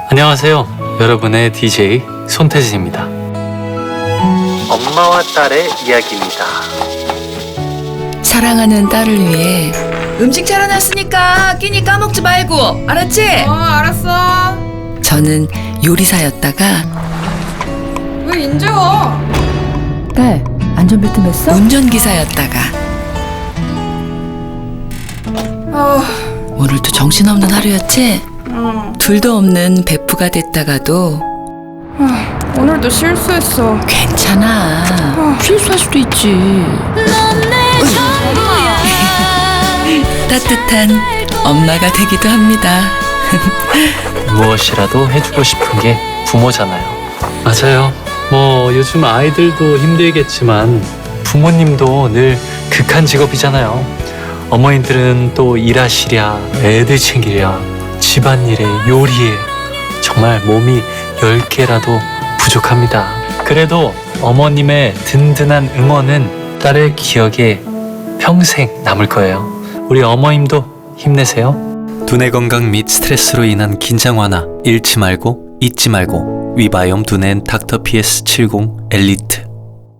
안녕하세요. 여러분의 DJ 손태진입니다. 엄마와 딸의 이야기입니다. 사랑하는 딸을 위해 음식 차려놨으니까 끼니 까먹지 말고, 알았지? 알았어. 저는 요리사였다가 왜 인제 와? 딸, 안전벨트 맸어? 운전기사였다가 오늘도 정신없는 하루였지? 둘도 없는 베프가 됐다가도 오늘도 실수했어. 괜찮아. 실수할 수도 있지. 따뜻한 엄마가 되기도 합니다. 무엇이라도 해주고 싶은 게 부모잖아요. 맞아요. 요즘 아이들도 힘들겠지만 부모님도 늘 극한 직업이잖아요. 어머님들은 또 일하시랴, 애들 챙기랴, 집안일에, 요리에 정말 몸이 10개라도 부족합니다. 그래도 어머님의 든든한 응원은 딸의 기억에 평생 남을 거예요. 우리 어머님도 힘내세요. 두뇌 건강 및 스트레스로 인한 긴장 완화 잃지 말고 잊지 말고 위바이옴 두뇌 닥터 PS70 엘리트